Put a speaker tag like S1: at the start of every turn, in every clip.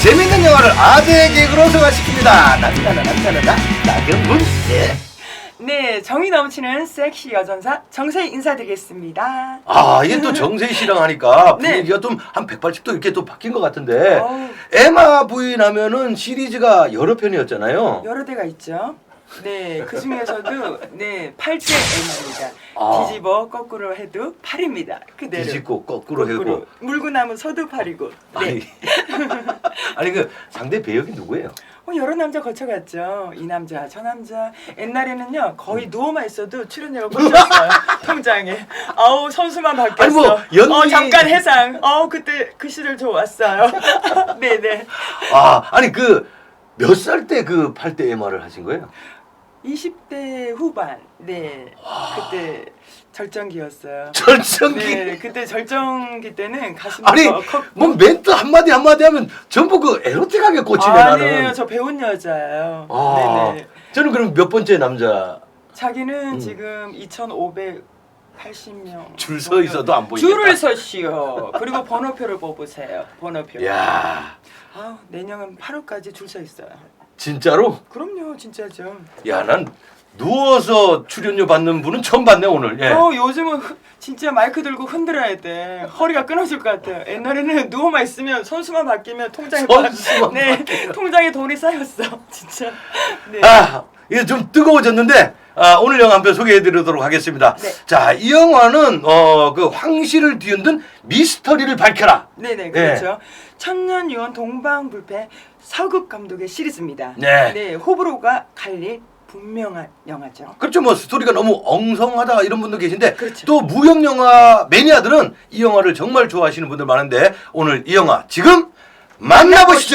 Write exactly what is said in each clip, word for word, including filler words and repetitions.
S1: 재밌는 영화를 아재 개그로 소화시킵니다. 남자나 남자나 나 나경문. 예.
S2: 네, 정이 넘치는 섹시 여전사 정세희 인사드리겠습니다.
S1: 아, 이게 또 정세희 씨랑 하니까
S2: 네.
S1: 분위기가 좀 한 백팔십 도 이렇게 또 바뀐 것 같은데.
S2: 어우.
S1: 에마 부인 하면은 시리즈가 여러 편이었잖아요.
S2: 여러 대가 있죠. 네, 그 중에서도 네 팔 대 M입니다.
S1: 아.
S2: 뒤집어 거꾸로 해도 팔입니다. 그대로.
S1: 뒤집고 거꾸로 해고.
S2: 물고 나면 서도 팔이고. 네.
S1: 아니, 아니 그 상대 배역이 누구예요?
S2: 어, 여러 남자 거쳐갔죠. 이 남자, 저 남자. 옛날에는요, 거의 누워만 있어도 출연료가 꽂혔어요. 통장에. 아우, 선수만 바뀌었어.
S1: 아니, 뭐, 연기-
S2: 어, 잠깐 해상. 어, 그때 그 시절 좋았어요. 네네.
S1: 아, 아니 그 몇 살 때 그 팔 대 에마를 하신 거예요?
S2: 이십 대 후반. 네. 그때 절정기였어요.
S1: 절정기.
S2: 네, 그때 절정기 때는 가슴이
S1: 아니
S2: 더 컸고.
S1: 뭐 멘트 한마디 한마디 하면 전부 그 에로틱하게 꽂히네.
S2: 아니에요.
S1: 나는.
S2: 저 배운 여자예요.
S1: 아,
S2: 네네.
S1: 저는 그럼 몇 번째 남자?
S2: 자기는
S1: 음.
S2: 지금 이천오백팔십 명
S1: 줄 서 있어도 안 보이겠다.
S2: 줄을 서시오. 그리고 번호표를 뽑으세요. 번호표.
S1: 야,
S2: 아, 내년은 팔월까지 줄 서 있어요.
S1: 진짜로?
S2: 그럼요, 진짜죠.
S1: 야, 난 누워서 출연료 받는 분은 처음 봤네 오늘. 예.
S2: 어, 요즘은 흐- 진짜 마이크 들고 흔들어야 돼. 허리가 끊어질 것 같아요. 옛날에는 누워만 있으면 선수만 바뀌면 통장에
S1: 선수만
S2: 네,
S1: 바뀌면.
S2: 통장에 돈이 쌓였어. 진짜. 네.
S1: 아, 이게 좀 뜨거워졌는데 아, 오늘 영화 한 편 소개해드리도록 하겠습니다.
S2: 네.
S1: 자, 이 영화는 어, 그 황실을 뒤흔든 미스터리를 밝혀라.
S2: 네네, 그렇죠. 천년 유언 동방불패 서극 감독의 시리즈입니다.
S1: 네.
S2: 네, 호불호가 갈릴 분명한 영화죠.
S1: 그렇죠. 뭐 스토리가 너무 엉성하다 이런 분도 계신데
S2: 그렇죠.
S1: 또 무협 영화 매니아들은 이 영화를 정말 좋아하시는 분들 많은데 오늘 이 영화 지금 만나보시죠.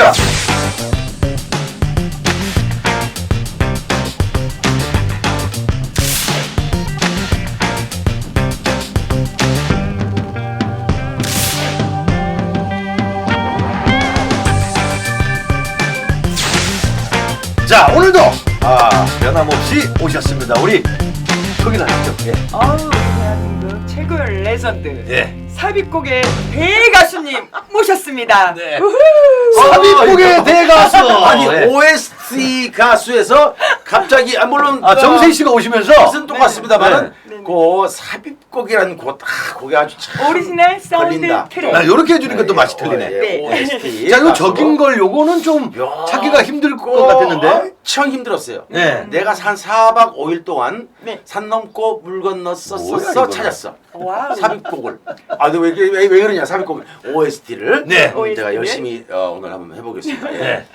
S1: 자, 오늘도 아, 변함없이 오셨습니다. 우리 소개를 하시죠. 예.
S2: 아우, 대한민국 최고의 레전드.
S1: 예.
S2: 삽입곡의 대가수님 모셨습니다.
S1: 네.
S2: 우후!
S1: 삽입곡의 대가수.
S3: 아니
S1: 예.
S3: 오에스티 가수에서 갑자기 아 물론
S1: 아, 정세희 씨가 오시면서
S3: 뜻은 똑같습니다만은
S2: 네. 네.
S3: 그 삽입곡이라는 곡, 아, 곡이 아주 참
S2: 오리지널 사운드
S3: 걸린다.
S2: 트랙.
S1: 아, 요렇게 해주니까 또
S3: 예,
S1: 맛이
S3: 어,
S1: 틀리네.
S3: 예,
S2: 네.
S3: 오에스티
S1: 자, 요
S3: 가수.
S1: 적인 걸 요거는 좀
S3: 야.
S1: 찾기가 힘들 것 같았는데.
S3: 엄청 힘들었어요.
S1: 네.
S3: 내가 산 사 박 오 일 동안
S2: 네.
S3: 산 넘고 물 건너
S1: 뭐야,
S3: 썼어
S1: 이거는.
S3: 찾았어.
S2: 와우.
S3: 삽입곡을. 아, 근데 왜, 왜, 왜 그러냐 삽입곡을. 오에스티를.
S1: 네.
S3: 제가
S2: 오에스티를.
S3: 열심히 어, 오늘 한번 해보겠습니다. 예.
S1: 네.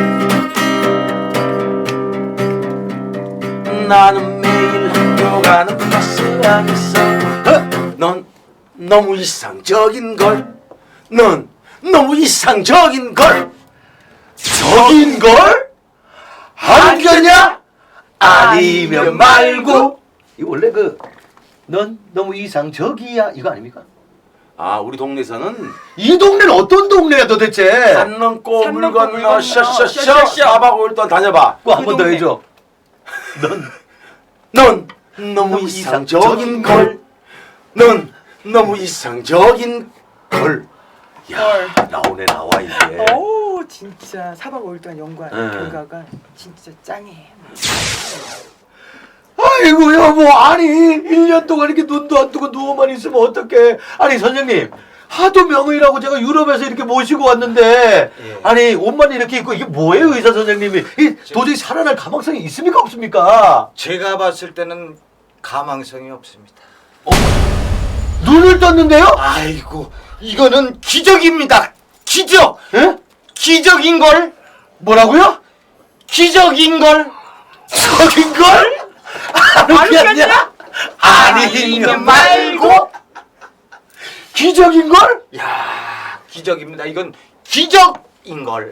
S3: 나는 매일 학교 가는 버스 안에서 어? 넌 너무 이상적인 걸. 넌 너무 이상적인 걸.
S1: 적인 걸? 안겼냐? 아니면 말고. 이 원래 그 넌 너무 이상적이야 이거 아닙니까?
S3: 아, 우리 동네에서는
S1: 이 동네는 어떤 동네야 도대체?
S3: 산 넘고
S2: 산
S3: 물
S2: 넘고 물
S3: 건너
S2: 건너
S3: 셔셔셔
S2: 셔셔셔.
S3: 사 박 오 일 동안 다녀봐.
S1: 꼭 한 번 더
S2: 동네.
S1: 해줘. 넌
S3: 넌 너무 이상적인 걸. 넌 너무 이상적인 걸.
S1: 야, 나오네 나와 이게.
S2: 오, 진짜 사 박 오 일 동안 연구한
S1: 네.
S2: 결과가 진짜 짱이에요.
S1: 아이고 여보, 아니 일 년 동안 이렇게 눈도 안 뜨고 누워만 있으면 어떡해. 아니 선생님, 하도 명의라고 제가 유럽에서 이렇게 모시고 왔는데
S3: 예.
S1: 아니 옷만 이렇게 입고 이게 뭐예요 의사 선생님이? 이 도저히 살아날 가망성이 있습니까 없습니까?
S4: 제가 봤을 때는 가망성이 없습니다.
S1: 눈을 떴는데요?
S4: 아이고, 이거는 기적입니다. 기적!
S1: 예?
S4: 기적인 걸!
S1: 뭐라고요?
S4: 기적인 걸!
S1: 적인 걸? 아니겠냐? 아니면 말고 기적인 걸?
S4: 야, 기적입니다. 이건 기적인 걸.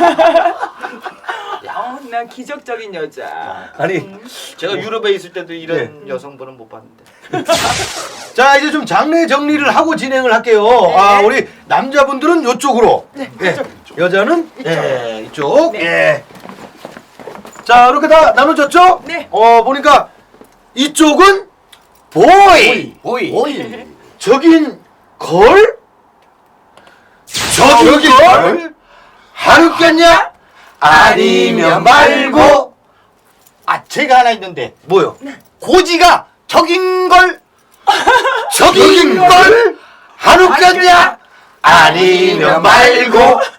S2: 어, 난 기적적인 여자.
S1: 아니
S4: 제가 유럽에 있을 때도 이런
S1: 네.
S4: 여성분은 못 봤는데.
S1: 자 이제 좀 장르 정리를 하고 진행을 할게요. 아 우리 남자분들은 요쪽으로,
S2: 네,
S1: 예,
S2: 이쪽.
S1: 여자는
S2: 이쪽.
S1: 예, 이쪽.
S2: 네.
S1: 예. 자 이렇게 다 나눠졌죠?
S2: 네.
S1: 어 보니까 이쪽은 보이,
S3: 보이.
S1: 보이. 저긴 걸, 저긴 걸, 안 웃겼냐? 아니면 말고.
S4: 아 제가 하나 있는데
S1: 뭐요?
S4: 고지가 적인 걸.
S1: 적인 걸? 안 웃겼냐? 아니면 말고.